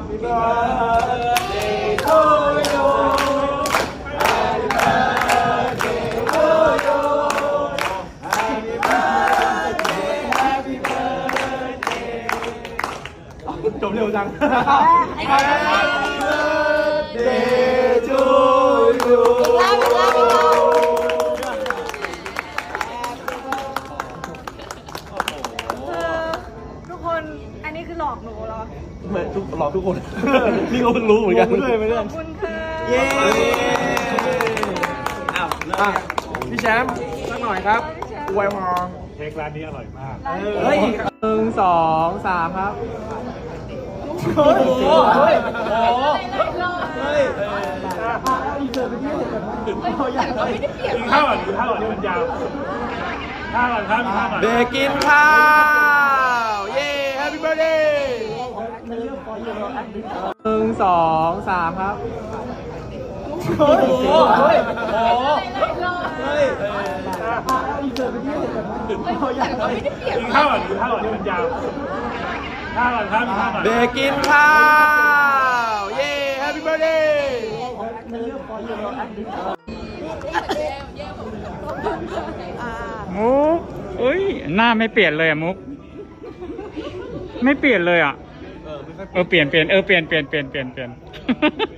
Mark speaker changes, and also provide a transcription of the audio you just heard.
Speaker 1: จบเร็วจัง
Speaker 2: ทุกคนอันนี้คือหลอกหนูเหรอ
Speaker 1: เหมือนหลอกทุกคน นี่ก็เพิ่งรู้เหมือนกัน
Speaker 2: ขอบคุณค่ะ
Speaker 1: เย้พี่แชมป์สักหน่อยครับอวยพร
Speaker 3: เค้กร้านนี้อร่อยมาก
Speaker 1: เฮ้ย1 2 3ครับโอ้โหเฮ้ยโอ้โหเฮ้ย
Speaker 3: กินข้าวก่อนกินข้าวก่อนมันยาวข้าวก่อนข้าวมีข้าวก่อน
Speaker 1: เด็กกินข้าวเย้ Happy Birthday 1 2 3ครับโอ้โหเฮ้ยโอ้โหเฮ้ย
Speaker 3: กินข้าวก่อนกินข้าวก่อนมันยาวข้าวก่อนข้าวมีข้าวก่อน
Speaker 1: เด็กกินข้าวเย้ Happy Birthday
Speaker 4: มุกเอ้ยหน้าไม่เปลี่ยนเลยอะมุกไม่เปลี่ยนเลยอะเปลี่ยนเปลี่ยน